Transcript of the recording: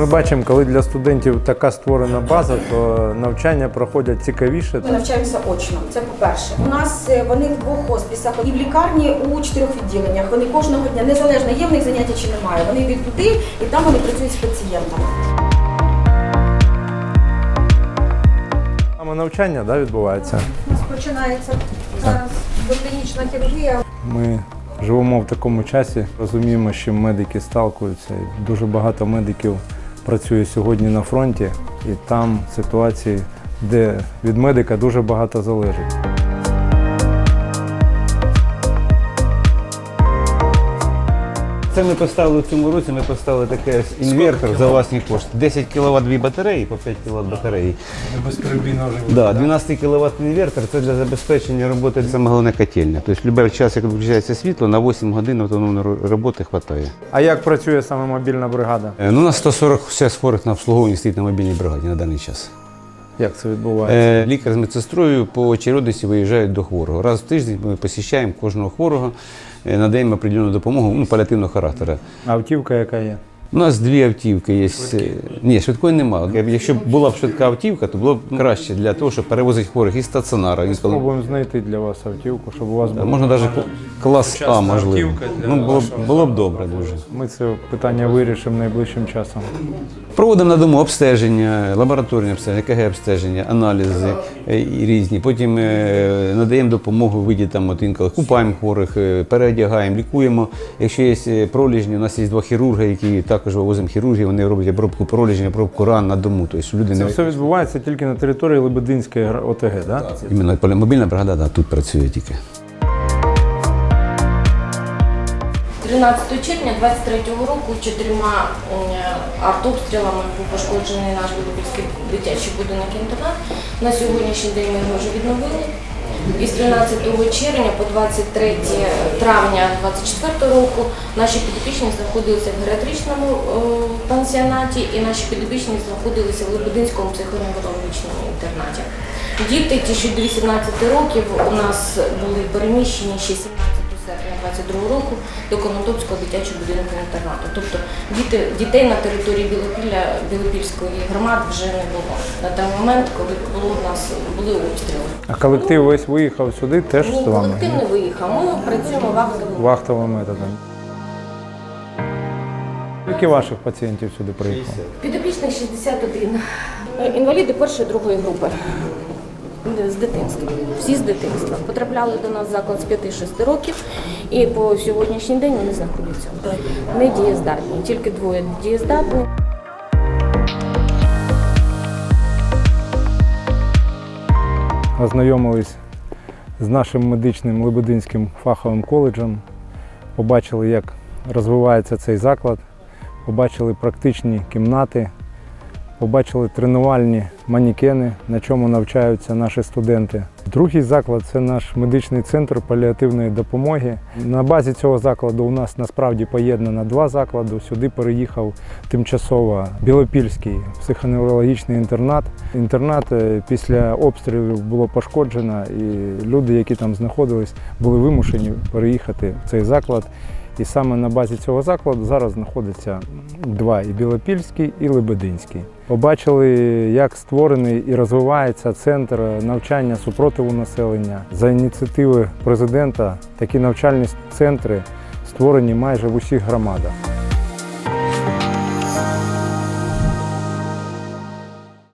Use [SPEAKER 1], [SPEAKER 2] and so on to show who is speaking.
[SPEAKER 1] Ми бачимо, коли для студентів така створена база, то навчання проходять цікавіше.
[SPEAKER 2] Ми навчаємося очно, це по-перше. У нас вони в двох хоспісах і в лікарні у 4 відділеннях. Вони кожного дня, незалежно є в них заняття чи немає. Вони йдуть туди і там вони працюють з пацієнтами.
[SPEAKER 1] Саме навчання відбувається.
[SPEAKER 2] У нас починається зараз клінічна хірургія.
[SPEAKER 1] Ми живемо в такому часі, розуміємо, що медики сталкуються. Дуже багато медиків працює сьогодні на фронті, і там ситуації, де від медика дуже багато залежить.
[SPEAKER 3] Це ми поставили в цьому році, ми поставили таке інвертор за власні кошти. 10 кВт дві батареї, по 5 кВт батареї.
[SPEAKER 1] Безперебійно живе.
[SPEAKER 3] Да, 12 кВт інвертор – це для забезпечення роботи, саме головне котельня. Тобто будь-який час, як виключається світло, на 8 годин автономної роботи вистачає.
[SPEAKER 1] А як працює саме мобільна бригада?
[SPEAKER 3] Ну, у нас 140 хворих на обслуговуванні стоїть на мобільній бригаді на даний час.
[SPEAKER 1] Як це відбувається?
[SPEAKER 3] Лікар з медсестрою по очередності виїжджають до хворого. Раз в тиждень ми посіщаємо кожного хворого, надаємо определену допомогу паліативного характеру.
[SPEAKER 1] Автівка яка є?
[SPEAKER 3] У нас дві автівки є. Ні, швидкої немає. Якщо б була б швидка автівка, то було б краще для того, щоб перевозити хворих із стаціонара.
[SPEAKER 1] Спробуємо знайти для вас автівку, щоб у вас було.
[SPEAKER 3] Можна навіть клас А, можливо. Було б добре дуже.
[SPEAKER 1] Ми це питання вирішимо найближчим часом.
[SPEAKER 3] Проводимо на дому обстеження, лабораторні обстеження, ЕКГ-обстеження, аналізи різні. Потім надаємо допомогу в виді інколи купаємо хворих, переодягаємо, лікуємо. Якщо є проліжні, у нас є 2 хірурги, які також вивозимо хірургію, вони роблять обробку проліжні, обробку ран на дому. Тобто люди
[SPEAKER 1] Це все відбувається тільки на території Лебединської ОТГ, так?
[SPEAKER 3] Іменно мобільна бригада тут працює тільки.
[SPEAKER 4] 13 червня 2023 року 4 артобстрілами був пошкоджений наш Білопільський дитячий будинок-інтернат. На сьогоднішній день ми його вже відновили. Із 13 червня по 23 травня 2024 року наші підопічні знаходилися в геріатричному пансіонаті і наші підопічні знаходилися в Лебединському психоневрологічному інтернаті. Діти, ті, що до 18 років, у нас були переміщені ще 17 серпня 2022 року до Конотопського дитячого будинку інтернату. Тобто дітей на території Білопільської громади вже не було. На той момент, коли у нас були обстріли.
[SPEAKER 1] А колектив весь виїхав сюди теж з вами?
[SPEAKER 4] Колектив не виїхав, ми працюємо
[SPEAKER 1] вахтовим методом. Скільки ваших пацієнтів сюди приїхало?
[SPEAKER 4] Підопічних 61. Інваліди першої, другої групи. З дитинства. Всі з дитинства. Потрапляли до нас в заклад з 5-6 років і по сьогоднішній день вони знаходяться недієздатні. Тільки 2 дієздатні.
[SPEAKER 1] Ознайомились з нашим медичним Лебединським фаховим коледжем, побачили, як розвивається цей заклад, побачили практичні кімнати, побачили тренувальні манекени, на чому навчаються наші студенти. Другий заклад – це наш медичний центр паліативної допомоги. На базі цього закладу у нас насправді поєднано 2 заклади. Сюди переїхав тимчасово Білопільський психоневрологічний інтернат. Інтернат після обстрілів було пошкоджено, і люди, які там знаходились, були вимушені переїхати в цей заклад. І саме на базі цього закладу зараз знаходиться 2 – і Білопільський, і Лебединський. Побачили, як створений і розвивається центр навчання супротиву населення. За ініціативи президента такі навчальні центри створені майже в усіх громадах.